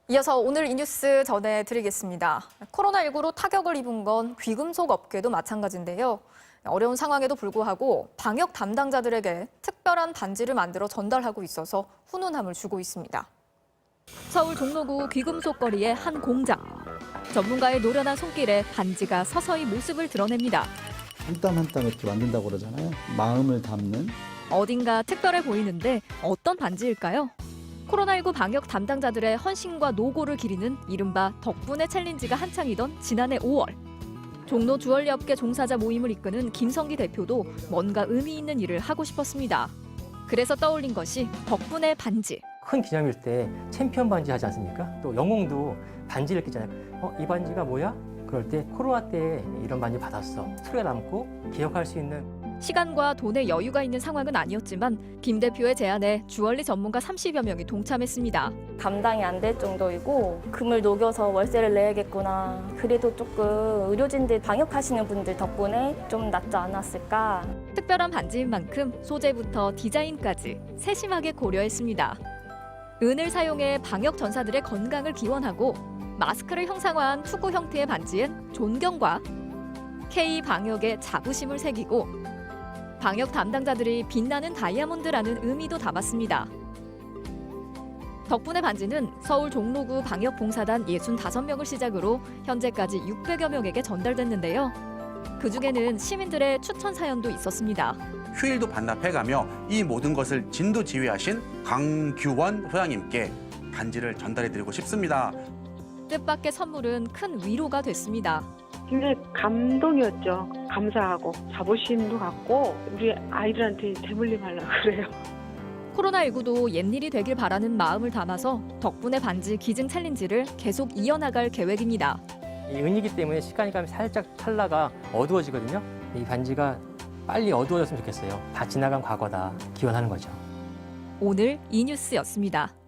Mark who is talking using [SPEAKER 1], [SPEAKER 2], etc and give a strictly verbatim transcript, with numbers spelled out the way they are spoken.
[SPEAKER 1] 이어서 오늘 이 뉴스 전해드리겠습니다. 코로나십구로 타격을 입은 건 귀금속 업계도 마찬가지인데요. 어려운 상황에도 불구하고 방역 담당자들에게 특별한 반지를 만들어 전달하고 있어서 훈훈함을 주고 있습니다. 서울 종로구 귀금속 거리의 한 공장. 전문가의 노련한 손길에 반지가 서서히 모습을 드러냅니다.
[SPEAKER 2] 한 땀 한 땀 이렇게 만든다고 그러잖아요. 마음을 담는.
[SPEAKER 1] 어딘가 특별해 보이는데 어떤 반지일까요? 코로나십구 방역 담당자들의 헌신과 노고를 기리는 이른바 덕분에 챌린지가 한창이던 지난해 오월. 종로 주얼리 업계 종사자 모임을 이끄는 김성기 대표도 뭔가 의미 있는 일을 하고 싶었습니다. 그래서 떠올린 것이 덕분에 반지.
[SPEAKER 3] 큰 기념일 때 챔피언 반지 하지 않습니까? 또 영웅도 반지를 끼잖아요. 어, 이 반지가 뭐야? 그럴 때 코로나 때 이런 반지 받았어. 소리가 남고 기억할 수 있는.
[SPEAKER 1] 시간과 돈의 여유가 있는 상황은 아니었지만 김 대표의 제안에 주얼리 전문가 삼십여 명이 동참했습니다.
[SPEAKER 4] 감당이 안 될 정도이고 금을 녹여서 월세를 내야겠구나. 그래도 조금 의료진들 방역하시는 분들 덕분에 좀 낫지 않았을까.
[SPEAKER 1] 특별한 반지인 만큼 소재부터 디자인까지 세심하게 고려했습니다. 은을 사용해 방역 전사들의 건강을 기원하고 마스크를 형상화한 투구 형태의 반지엔 존경과 K 방역의 자부심을 새기고 방역 담당자들이 빛나는 다이아몬드라는 의미도 담았습니다. 덕분에 반지는 서울 종로구 방역봉사단 육십오 명을 시작으로 현재까지 육백여 명에게 전달됐는데요. 그중에는 시민들의 추천 사연도 있었습니다.
[SPEAKER 5] 휴일도 반납해가며 이 모든 것을 진두지휘하신 강규원 소장님께 반지를 전달해드리고 싶습니다.
[SPEAKER 1] 뜻밖의 선물은 큰 위로가 됐습니다.
[SPEAKER 6] 굉장히 감동이었죠. 감사하고 자부심도 갖고 우리 아이들한테 대물림하려고 그래요.
[SPEAKER 1] 코로나십구도 옛일이 되길 바라는 마음을 담아서 덕분에 반지 기증 챌린지를 계속 이어나갈 계획입니다.
[SPEAKER 3] 이 은이기 때문에 시간이 가면 살짝 찰나가 어두워지거든요. 이 반지가 빨리 어두워졌으면 좋겠어요. 다 지나간 과거다. 기원하는 거죠.
[SPEAKER 1] 오늘 이 뉴스였습니다.